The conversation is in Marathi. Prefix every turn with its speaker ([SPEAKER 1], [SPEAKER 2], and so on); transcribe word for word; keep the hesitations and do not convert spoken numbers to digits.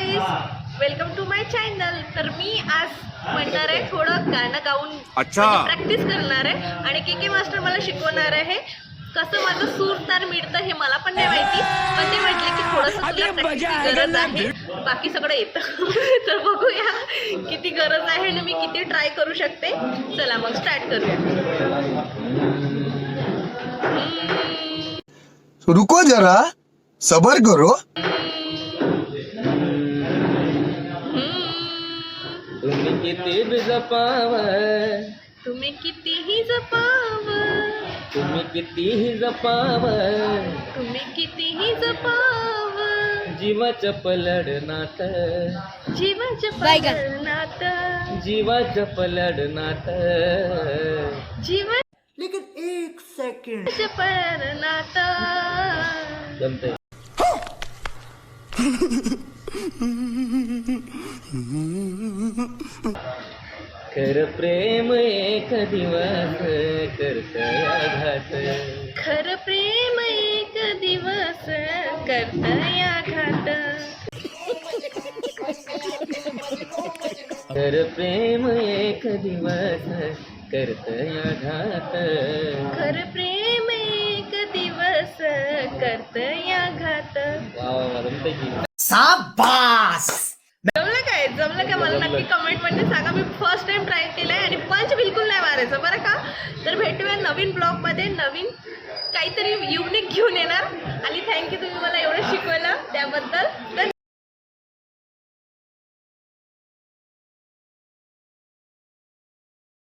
[SPEAKER 1] Guys, welcome to my channel. तर मी आज म्हणणार आहे थोडं गाणं गाऊन प्रॅक्टिस करणार आहे आणि के के मास्टर मला शिकवणार आहे कसं माझं सूर तार मिळतं हे मला पण नाही माहिती, पण ते म्हटले की थोडंसं तुला प्रॅक्टिसची गरज आहे, बाकी सगळं येतं. तर बघूया किती गरज आहे आणि मी किती ट्राय करू शकते. चला मग स्टार्ट करूया.
[SPEAKER 2] रुको जरा, सबर करो.
[SPEAKER 3] तुम्ही किती बी जपाव,
[SPEAKER 1] तुम्ही कितीही जपाव,
[SPEAKER 3] तुम्ही कितीही जपाव,
[SPEAKER 1] तुम्ही कितीही जपाव,
[SPEAKER 3] जीवाचं पलडनाट,
[SPEAKER 1] जीवाचं पलडनाट,
[SPEAKER 3] जीवाचं पलडनाट,
[SPEAKER 1] जीवा
[SPEAKER 2] लेकिन एक सेकंड
[SPEAKER 1] पलडनाट.
[SPEAKER 3] जमतंय. खर प्रेम एक दिवस करतय आघात,
[SPEAKER 1] खर प्रेम एक दिवस करतय आघात,
[SPEAKER 3] खर प्रेम एक दिवस करतय आघात,
[SPEAKER 1] खर प्रेम एक दिवस करतय आघात.
[SPEAKER 3] वा वा वा, जमतंय की.
[SPEAKER 2] शाबास.
[SPEAKER 1] जमलं काय जमलं काय मला नक्की कमेंट मध्ये सांगा. मी फर्स्ट टाइम ट्राय केलंय आणि पंच बिलकुल नाही मारायचं बरं का. तर भेटूया नवीन ब्लॉग मध्ये, नवीन काहीतरी युनिक घेऊन येणार. आणि थँक्यू तुम्ही मला एवढं शिकवलं त्याबद्दल. धन्यवाद.